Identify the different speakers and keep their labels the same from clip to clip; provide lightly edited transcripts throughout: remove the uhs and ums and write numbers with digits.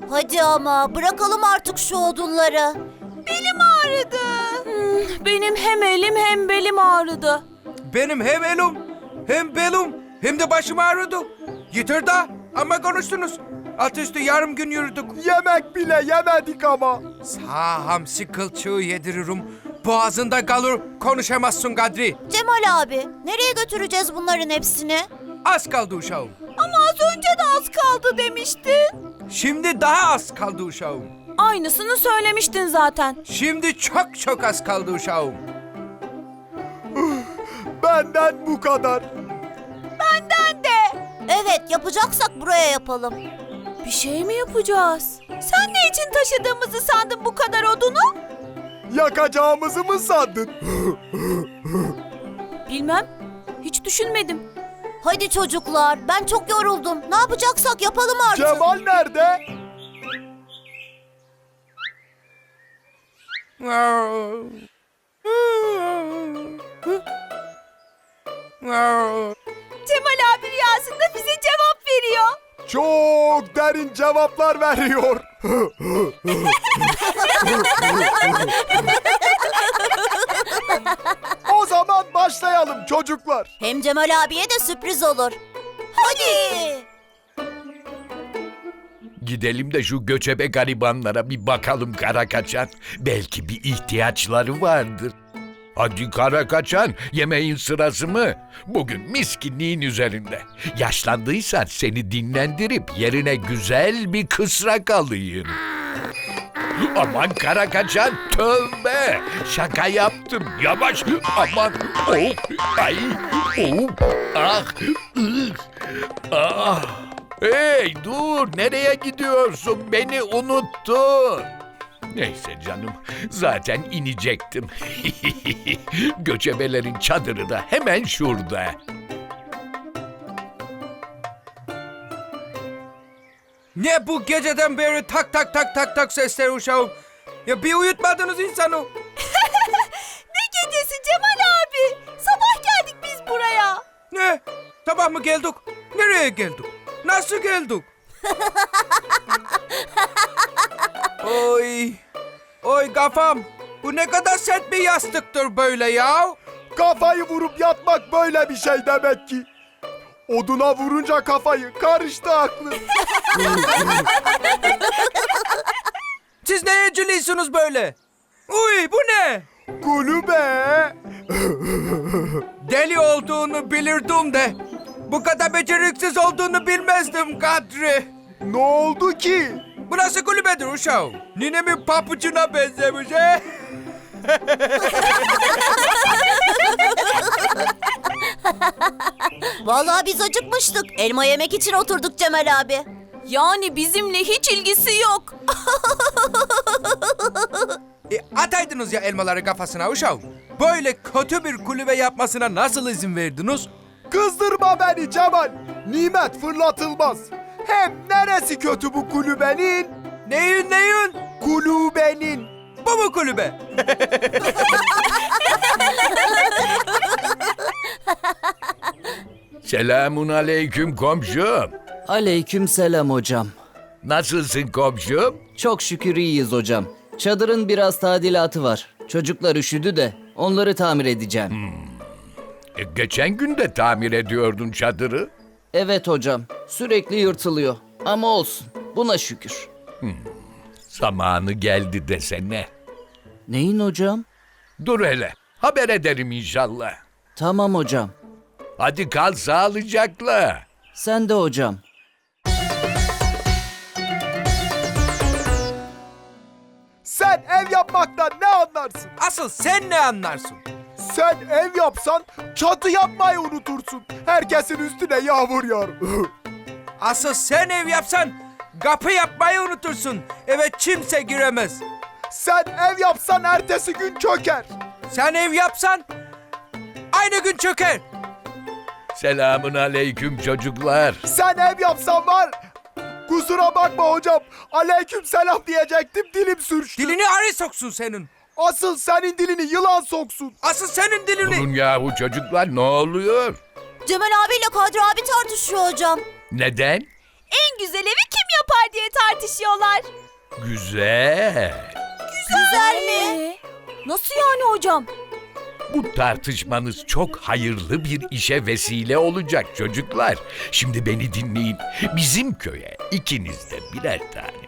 Speaker 1: Hadi ama bırakalım artık şu odunları.
Speaker 2: Belim ağrıdı. Benim hem elim hem belim ağrıdı.
Speaker 3: Benim hem elim, hem belim, hem de başım ağrıdı. Yeter da ama konuştunuz. Altı üstü yarım gün yürüdük.
Speaker 4: Yemek bile yemedik ama.
Speaker 3: Sağ hamsi kılçığı yediririm. Boğazında kalır, konuşamazsın Kadri.
Speaker 1: Cemal abi, nereye götüreceğiz bunların hepsini?
Speaker 3: Az kaldı uşağım.
Speaker 2: Ama az önce de az kaldı demiştin.
Speaker 3: Şimdi daha az kaldı uşağım.
Speaker 2: Aynısını söylemiştin zaten.
Speaker 3: Şimdi çok çok az kaldı uşağım.
Speaker 4: Benden bu kadar.
Speaker 2: Benden de.
Speaker 1: Evet, yapacaksak buraya yapalım.
Speaker 2: Bir şey mi yapacağız? Sen ne için taşıdığımızı sandın bu kadar odunu?
Speaker 4: Yakacağımızı mı sandın?
Speaker 2: Bilmem. Hiç düşünmedim.
Speaker 1: Hadi çocuklar, ben çok yoruldum. Ne yapacaksak yapalım artık.
Speaker 4: Cemal nerede?
Speaker 2: Cemal abi rüyasında bize cevap veriyor.
Speaker 4: Çok derin cevaplar veriyor. O zaman başlayalım çocuklar.
Speaker 1: Hem Cemal abiye de sürpriz olur. Hadi.
Speaker 5: Gidelim de şu göçebe garibanlara bir bakalım Karakaçan. Belki bir ihtiyaçları vardır. Hadi Karakaçan, yemeğin sırası mı? Bugün miskinliğin üzerinde. Yaşlandıysan seni dinlendirip yerine güzel bir kısrak alayım. Aman Karakaçan, tövbe! Şaka yaptım, yavaş! Aman! Oh! Ay! Oh! Ah! Ih! Ah! Hey dur, nereye gidiyorsun? Beni unuttun. Neyse canım, zaten inecektim. Göçebelerin çadırı da hemen şurada.
Speaker 3: Ne bu geceden beri tak tak tak tak tak sesler uşağım? Ya bir uyutmadınız insanı.
Speaker 2: Ne gecesi Cemal abi? Sabah geldik biz buraya.
Speaker 3: Ne? Sabah mı geldik? Nereye geldik? Nasıl geldik? Oy. Oy kafam. Bu ne kadar sert bir yastıktır böyle ya.
Speaker 4: Kafayı vurup yatmak böyle bir şey demek ki. Oduna vurunca kafayı karıştı aklı.
Speaker 3: Siz neye cülüyorsunuz böyle? Uy bu ne?
Speaker 4: Kulübe.
Speaker 3: Deli olduğunu bilirdim de. Bu kadar beceriksiz olduğunu bilmezdim Kadri.
Speaker 4: Ne oldu ki?
Speaker 3: Burası kulübedir uşağım. Ninemin papucuna benzemiş he?
Speaker 1: Vallahi biz acıkmıştık. Elma yemek için oturduk Cemal abi.
Speaker 2: Yani bizimle hiç ilgisi yok.
Speaker 3: Ataydınız ya elmaları kafasına uşağım. Böyle kötü bir kulübe yapmasına nasıl izin verdiniz?
Speaker 4: Kızdırma beni Cemal. Nimet fırlatılmaz. Hem neresi kötü bu kulübenin?
Speaker 3: Neyin?
Speaker 4: Kulübenin.
Speaker 3: Bu mu kulübe?
Speaker 5: Selamun aleyküm komşum.
Speaker 6: Aleykümselam hocam.
Speaker 5: Nasılsın komşum?
Speaker 6: Çok şükür iyiyiz hocam. Çadırın biraz tadilatı var. Çocuklar üşüdü de onları tamir edeceğim.
Speaker 5: Geçen gün de tamir ediyordun çadırı.
Speaker 6: Evet hocam. Sürekli yırtılıyor. Ama olsun. Buna şükür.
Speaker 5: Zamanı geldi desene.
Speaker 6: Neyin hocam?
Speaker 5: Dur hele, haber ederim inşallah.
Speaker 6: Tamam hocam.
Speaker 5: Hadi kal sağlıcakla.
Speaker 6: Sen de hocam.
Speaker 4: Sen ev yapmaktan ne anlarsın?
Speaker 3: Asıl sen ne anlarsın?
Speaker 4: Sen ev yapsan çatı yapmayı unutursun. Herkesin üstüne yağmur yağar.
Speaker 3: Asıl sen ev yapsan kapı yapmayı unutursun. Eve kimse giremez.
Speaker 4: Sen ev yapsan ertesi gün çöker.
Speaker 3: Sen ev yapsan aynı gün çöker.
Speaker 5: Selamun aleyküm çocuklar.
Speaker 4: Sen ev yapsan var. Kusura bakma hocam. Aleyküm selam diyecektim, dilim sürçtü.
Speaker 3: Dilini arı soksun senin.
Speaker 4: Asıl senin dilini yılan soksun.
Speaker 3: Asıl senin dilini.
Speaker 5: Durun yahu çocuklar, ne oluyor?
Speaker 1: Cemal abiyle Kadri abi tartışıyor hocam.
Speaker 5: Neden?
Speaker 2: En güzel evi kim yapar diye tartışıyorlar.
Speaker 5: Güzel.
Speaker 1: Güzel mi?
Speaker 2: Nasıl yani hocam?
Speaker 5: Bu tartışmanız çok hayırlı bir işe vesile olacak çocuklar. Şimdi beni dinleyin. Bizim köye ikiniz de birer tane.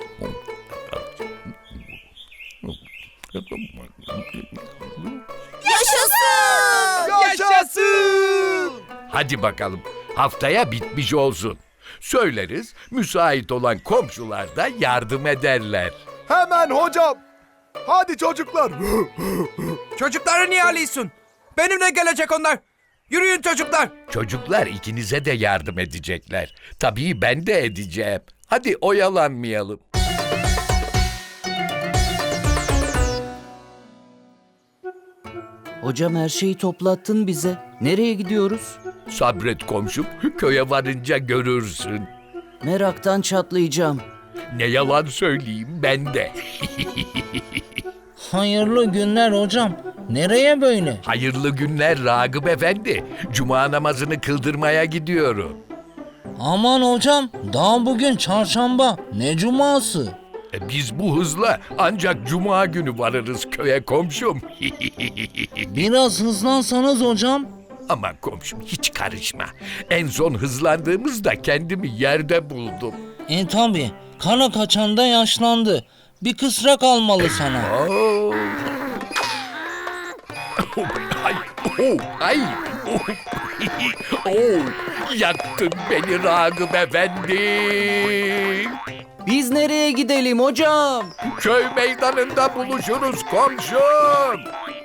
Speaker 1: Yaşasın!
Speaker 4: Yaşasın!
Speaker 5: Hadi bakalım. Haftaya bitmiş olsun. Söyleriz, müsait olan komşular da yardım ederler.
Speaker 4: Hemen hocam. Hadi çocuklar.
Speaker 3: Çocukları niye alıyorsun? Benimle gelecek onlar. Yürüyün çocuklar.
Speaker 5: Çocuklar ikinize de yardım edecekler. Tabii ben de edeceğim. Hadi oyalanmayalım.
Speaker 6: Hocam her şeyi toplattın bize. Nereye gidiyoruz?
Speaker 5: Sabret komşum, köye varınca görürsün.
Speaker 6: Meraktan çatlayacağım.
Speaker 5: Ne yalan söyleyeyim ben de.
Speaker 7: Hayırlı günler hocam. Nereye böyle?
Speaker 5: Hayırlı günler Ragıp Efendi. Cuma namazını kıldırmaya gidiyorum.
Speaker 7: Aman hocam, daha bugün çarşamba. Ne cuması?
Speaker 5: Biz bu hızla ancak cuma günü varırız köye komşum.
Speaker 7: Biraz hızlansanız hocam.
Speaker 5: Aman komşum hiç karışma. En son hızlandığımızda kendimi yerde buldum.
Speaker 7: Tabi, kara kaçan da yaşlandı. Bir kısrak almalı sana.
Speaker 5: Oo. Ay, ay. Yaktın beni Ragıp Efendi.
Speaker 6: Biz nereye gidelim hocam?
Speaker 5: Köy meydanında buluşuruz komşum.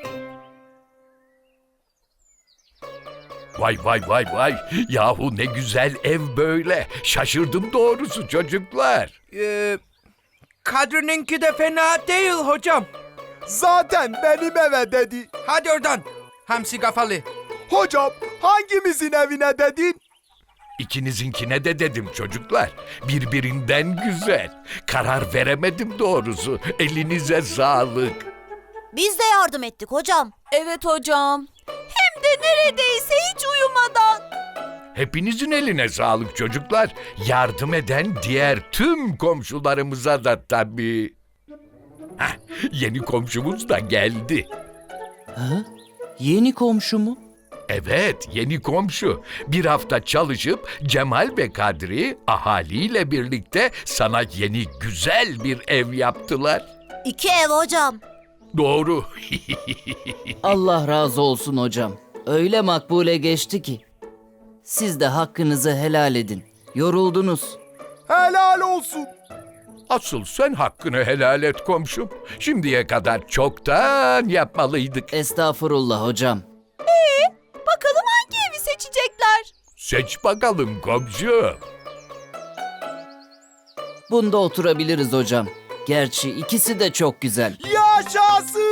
Speaker 5: Vay vay vay vay. Yahu ne güzel ev böyle. Şaşırdım doğrusu çocuklar.
Speaker 3: Kadri'ninki de fena değil hocam.
Speaker 4: Zaten benim eve dedi.
Speaker 3: Hadi oradan. Hamsi kafalı.
Speaker 4: Hocam hangimizin evine dedin?
Speaker 5: İkinizinkine de dedim çocuklar. Birbirinden güzel. Karar veremedim doğrusu. Elinize sağlık.
Speaker 1: Biz de yardım ettik hocam.
Speaker 2: Evet hocam. Hem de neredeyse hiç uyumadan.
Speaker 5: Hepinizin eline sağlık çocuklar. Yardım eden diğer tüm komşularımıza da tabii. Hah, yeni komşumuz da geldi.
Speaker 6: Ha? Yeni komşu mu?
Speaker 5: Evet, yeni komşu. Bir hafta çalışıp Cemal ve Kadri ahaliyle birlikte sana yeni güzel bir ev yaptılar.
Speaker 1: 2 ev hocam.
Speaker 5: Doğru.
Speaker 6: Allah razı olsun hocam. Öyle makbule geçti ki. Siz de hakkınızı helal edin. Yoruldunuz.
Speaker 4: Helal olsun.
Speaker 5: Asıl sen hakkını helal et komşum. Şimdiye kadar çoktan yapmalıydık.
Speaker 6: Estağfurullah hocam.
Speaker 2: Bakalım hangi evi seçecekler?
Speaker 5: Seç bakalım komşum.
Speaker 6: Bunda oturabiliriz hocam. Gerçi ikisi de çok güzel.
Speaker 4: Yaşasın!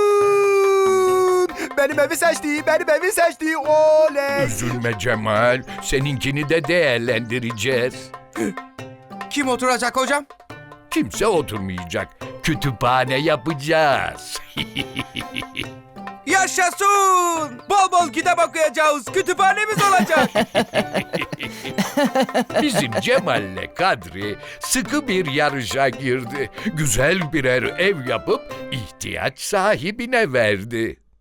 Speaker 4: Benim evi seçti, benim evi seçti. Oley!
Speaker 5: Üzülme Cemal. Seninkini de değerlendireceğiz.
Speaker 3: Kim oturacak hocam?
Speaker 5: Kimse oturmayacak. Kütüphane yapacağız.
Speaker 3: Yaşasın! Bol bol kitap okuyacağız. Kütüphanemiz olacak.
Speaker 5: Bizim Cemal'le Kadri sıkı bir yarışa girdi. Güzel birer ev yapıp ihtiyaç sahibine verdi.